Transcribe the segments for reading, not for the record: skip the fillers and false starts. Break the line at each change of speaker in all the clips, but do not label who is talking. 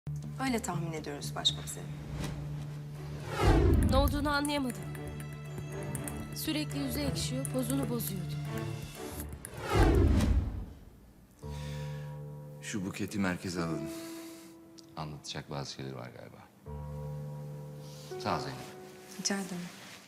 Öyle tahmin ediyoruz başkomiserim.
Ne olduğunu anlayamadım. Sürekli yüzü ekşiyor, pozunu bozuyordu.
Şu buketi merkeze alın. Anlatacak bazı şeyler var galiba. Sağ ol Zeynep.
Rica ederim.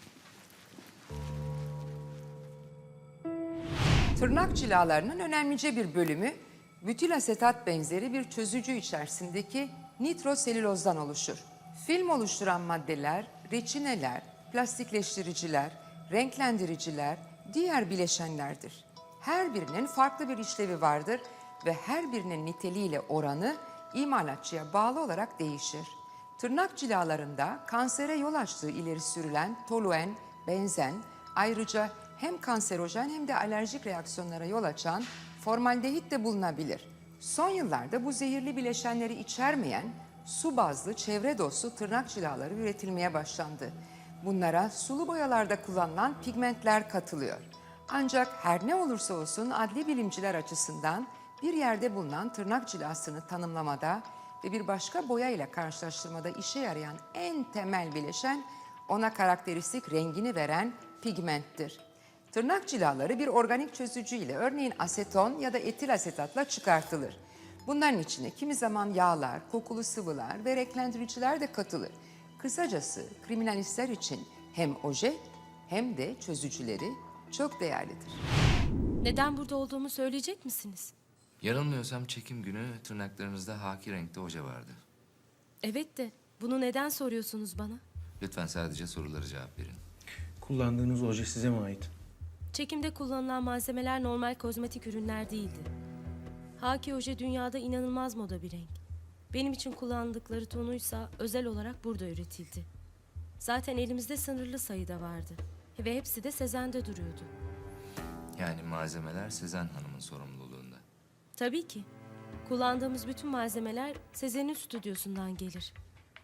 Tırnak cilalarının önemlice bir bölümü butil asetat benzeri bir çözücü içerisindeki nitroselülozdan oluşur. Film oluşturan maddeler, reçineler, plastikleştiriciler, renklendiriciler, diğer bileşenlerdir. Her birinin farklı bir işlevi vardır ve her birinin niteliğiyle oranı imalatçıya bağlı olarak değişir. Tırnak cilalarında kansere yol açtığı ileri sürülen toluen, benzen, ayrıca hem kanserojen hem de alerjik reaksiyonlara yol açan formaldehit de bulunabilir. Son yıllarda bu zehirli bileşenleri içermeyen su bazlı çevre dostu tırnak cilaları üretilmeye başlandı. Bunlara sulu boyalarda kullanılan pigmentler katılıyor. Ancak her ne olursa olsun adli bilimciler açısından bir yerde bulunan tırnak cilasını tanımlamada ve bir başka boya ile karşılaştırmada işe yarayan en temel bileşen ona karakteristik rengini veren pigmenttir. Tırnak cilaları bir organik çözücü ile örneğin aseton ya da etil asetatla çıkartılır. Bunların içine kimi zaman yağlar, kokulu sıvılar ve renklendiriciler de katılır. Kısacası kriminalistler için hem oje hem de çözücüleri çok değerlidir.
Neden burada olduğumu söyleyecek misiniz?
Yanılmıyorsam çekim günü tırnaklarınızda haki renkte oje vardı.
Evet de bunu neden soruyorsunuz bana?
Lütfen sadece sorulara cevap verin.
Kullandığınız oje size mi ait?
Çekimde kullanılan malzemeler normal kozmetik ürünler değildi. Haki oje dünyada inanılmaz moda bir renk. Benim için kullandıkları tonuysa özel olarak burada üretildi. Zaten elimizde sınırlı sayıda vardı. Ve hepsi de Sezen'de duruyordu.
Yani malzemeler Sezen Hanım'ın sorumluluğunda.
Tabii ki. Kullandığımız bütün malzemeler Sezen'in stüdyosundan gelir.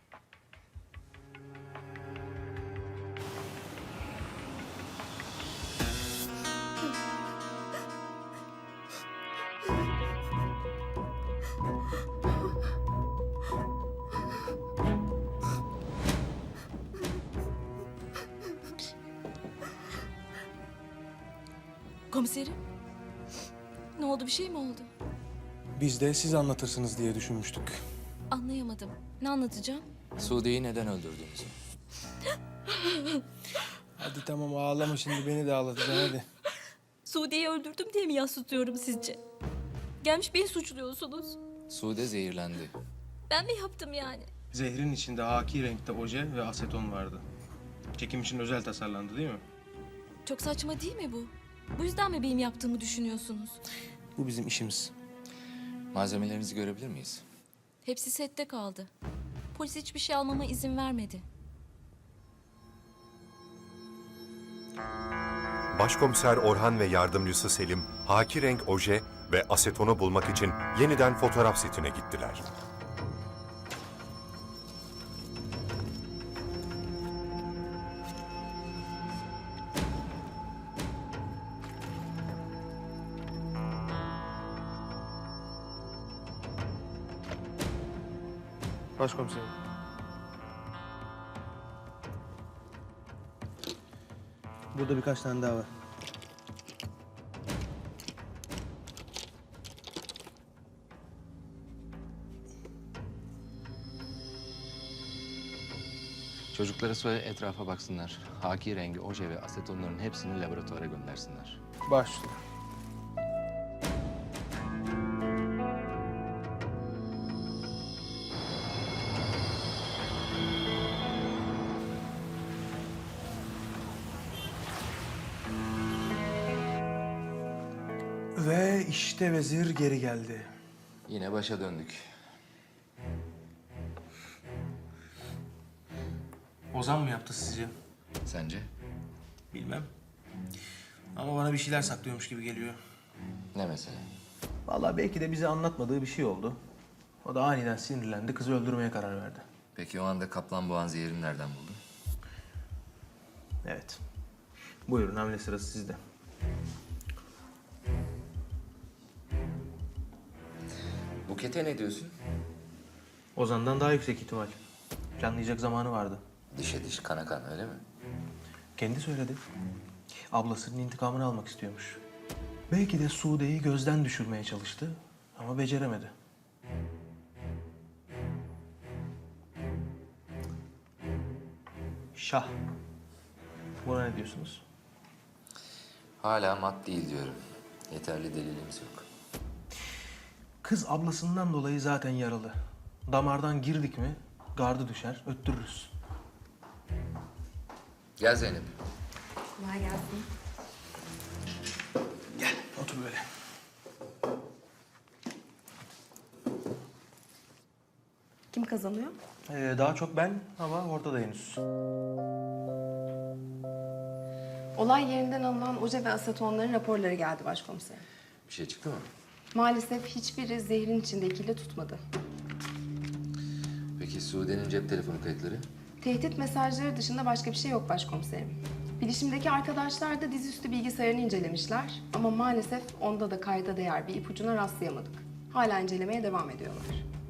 Komiserim. Ne oldu, bir şey mi oldu?
Biz de siz anlatırsınız diye düşünmüştük.
Anlayamadım. Ne anlatacağım?
Sude'yi neden öldürdüğünüzü.
Hadi tamam ağlama şimdi beni de ağlatacaksın hadi.
Sude'yi öldürdüm diye mi yas tutuyorum sizce? Gelmiş beni suçluyorsunuz.
Sude zehirlendi.
Ben mi yaptım yani?
Zehrin içinde haki renkte oje ve aseton vardı. Çekim için özel tasarlandı değil mi?
Çok saçma değil mi bu? Bu yüzden mi benim yaptığımı düşünüyorsunuz?
Bu bizim işimiz.
Malzemelerinizi görebilir miyiz?
Hepsi sette kaldı. Polis hiçbir şey almama izin vermedi.
Başkomiser Orhan ve yardımcısı Selim, haki renk oje ve asetonu bulmak için yeniden fotoğraf setine gittiler.
Başkomiserim. Burada birkaç tane daha var.
Çocuklara söyle etrafa baksınlar. Haki rengi oje ve asetonların hepsini laboratuvara göndersinler.
Başla. Ve işte vezir geri geldi.
Yine başa döndük.
Ozan mı yaptı sizce?
Sence?
Bilmem. Ama bana bir şeyler saklıyormuş gibi geliyor.
Ne mesela?
Vallahi belki de bize anlatmadığı bir şey oldu. O da aniden sinirlendi, kızı öldürmeye karar verdi.
Peki o anda kaplan boğan zehirini nereden buldu?
Evet. Buyurun, hamle sırası sizde.
Buket'e ne diyorsun?
Ozan'dan daha yüksek ihtimal. Planlayacak zamanı vardı.
Dişe diş, kana kan öyle mi?
Kendi söyledi. Ablasının intikamını almak istiyormuş. Belki de Sude'yi gözden düşürmeye çalıştı ama beceremedi. Şah. Buna ne diyorsunuz?
Hala mat değil diyorum. Yeterli delilimiz yok.
Kız ablasından dolayı zaten yaralı. Damardan girdik mi gardı düşer, öttürürüz.
Gel Zeynep.
Kolay gelsin.
Gel, otur böyle.
Kim kazanıyor?
Daha çok ben ama ortada henüz.
Olay yerinden alınan oje ve asetonların raporları geldi başkomiserim.
Bir şey çıktı mı?
Maalesef hiçbiri zehrin içindekiyle tutmadı.
Peki Sude'nin cep telefonu kayıtları?
Tehdit mesajları dışında başka bir şey yok başkomiserim. Bilişimdeki arkadaşlar da dizüstü bilgisayarını incelemişler. Ama maalesef onda da kayda değer bir ipucuna rastlayamadık. Hala incelemeye devam ediyorlar.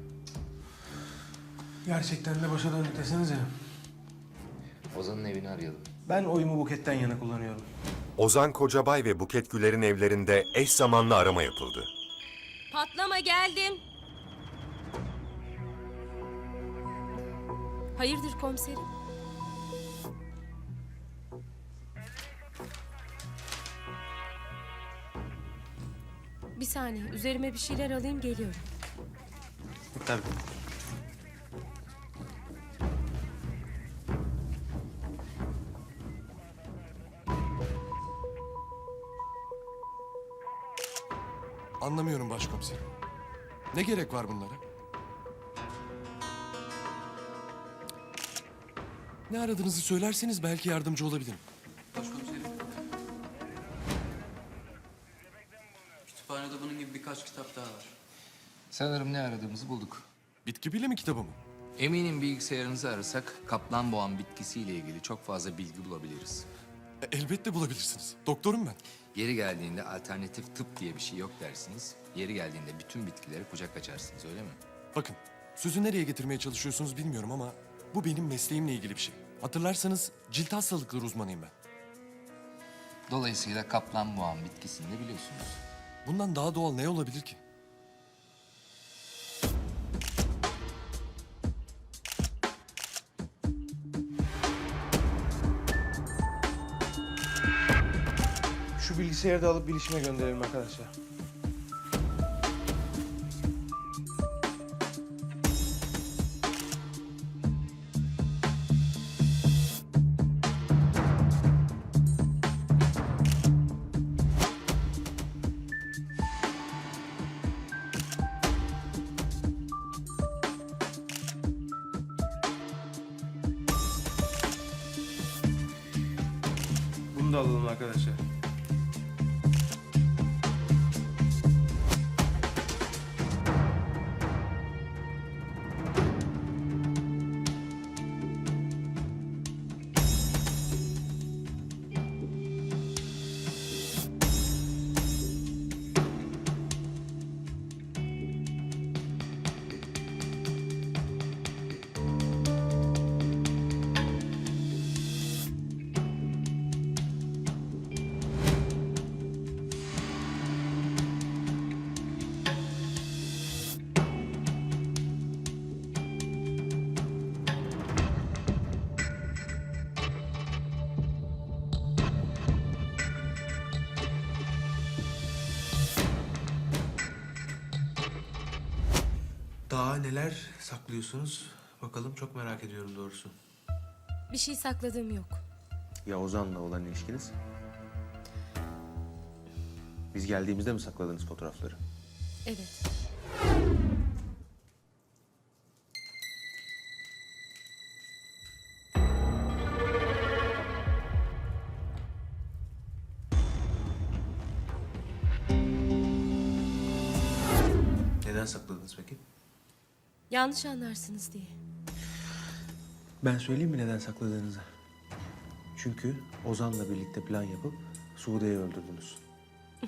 Gerçekten de başa döndük desenize.
Ozan'ın evini arayalım.
Ben oyumu Buket'ten yana kullanıyorum.
Ozan Kocabay ve Buket Güler'in evlerinde eş zamanlı arama yapıldı.
Patlama geldim. Hayırdır komiserim? Bir saniye, üzerime bir şeyler alayım geliyorum.
Tabii.
Anlamıyorum başkomiserim. Ne gerek var bunlara? Ne aradığınızı söylerseniz belki yardımcı olabilirim.
Başkomiserim. Kütüphanede bunun gibi birkaç kitap daha var.
Sanırım ne aradığımızı bulduk.
Bitki bilimi kitabı mı?
Eminim bilgisayarınızı arasak kaplanboğan bitkisiyle ilgili çok fazla bilgi bulabiliriz.
Elbette bulabilirsiniz. Doktorum ben.
Yeri geldiğinde alternatif tıp diye bir şey yok dersiniz. Yeri geldiğinde bütün bitkilere kucak açarsınız öyle mi?
Bakın, sözü nereye getirmeye çalışıyorsunuz bilmiyorum ama bu benim mesleğimle ilgili bir şey. Hatırlarsanız cilt hastalıkları uzmanıyım ben.
Dolayısıyla kaplanboğan bitkisini de biliyorsunuz.
Bundan daha doğal ne olabilir ki?
Şu bilgisayarı da alıp bilişime gönderelim arkadaşlar. Bunu da alalım arkadaşlar. Daha neler saklıyorsunuz? Bakalım çok merak ediyorum doğrusu.
Bir şey sakladığım yok.
Ya Ozan'la olan ilişkiniz? Biz geldiğimizde mi sakladınız fotoğrafları?
Evet.
Neden sakladınız peki?
Yanlış anlarsınız diye.
Ben söyleyeyim mi neden sakladığınızı? Çünkü Ozan'la birlikte plan yapıp Sude'yi öldürdünüz.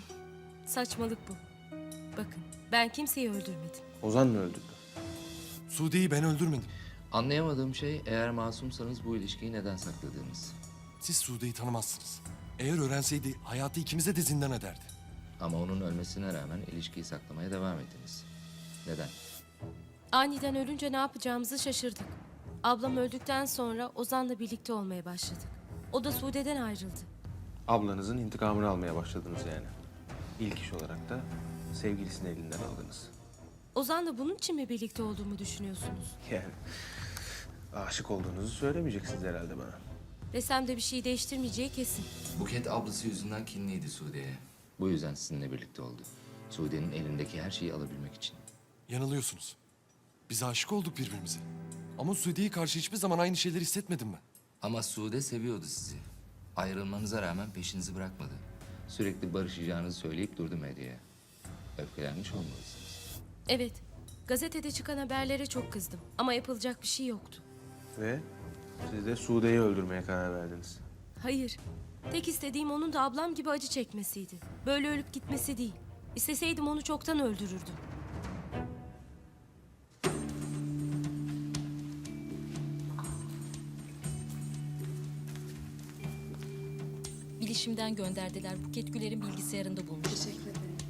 Saçmalık bu. Bakın, ben kimseyi öldürmedim.
Ozan mı öldürdü?
Sude'yi ben öldürmedim.
Anlayamadığım şey eğer masumsanız bu ilişkiyi neden sakladığınız.
Siz Sude'yi tanımazsınız. Eğer öğrenseydi hayatı ikimize de zindan ederdi.
Ama onun ölmesine rağmen ilişkiyi saklamaya devam ettiniz. Neden?
Aniden ölünce ne yapacağımızı şaşırdık. Ablam öldükten sonra Ozan'la birlikte olmaya başladık. O da Sude'den ayrıldı.
Ablanızın intikamını almaya başladınız yani. İlk iş olarak da sevgilisini elinden aldınız.
Ozan'la bunun için mi birlikte olduğumu düşünüyorsunuz?
Yani aşık olduğunuzu söylemeyeceksiniz herhalde bana.
Desem de bir şey değiştirmeyeceği kesin.
Buket ablası yüzünden kinliydi Sude'ye. Bu yüzden sizinle birlikte oldu. Sude'nin elindeki her şeyi alabilmek için.
Yanılıyorsunuz. Biz aşık olduk birbirimize. Ama Sude'ye karşı hiçbir zaman aynı şeyleri hissetmedim ben.
Ama Sude seviyordu sizi. Ayrılmanıza rağmen peşinizi bırakmadı. Sürekli barışacağınızı söyleyip durdu medyaya. Öfkelenmiş olmalısınız.
Evet, gazetede çıkan haberlere çok kızdım. Ama yapılacak bir şey yoktu.
Ve siz de Sude'yi öldürmeye karar verdiniz.
Hayır, tek istediğim onun da ablam gibi acı çekmesiydi. Böyle ölüp gitmesi değil. İsteseydim onu çoktan öldürürdüm.
Bilişimden gönderdiler. Buket Güler'in bilgisayarında bulmuş.
Teşekkür ederim.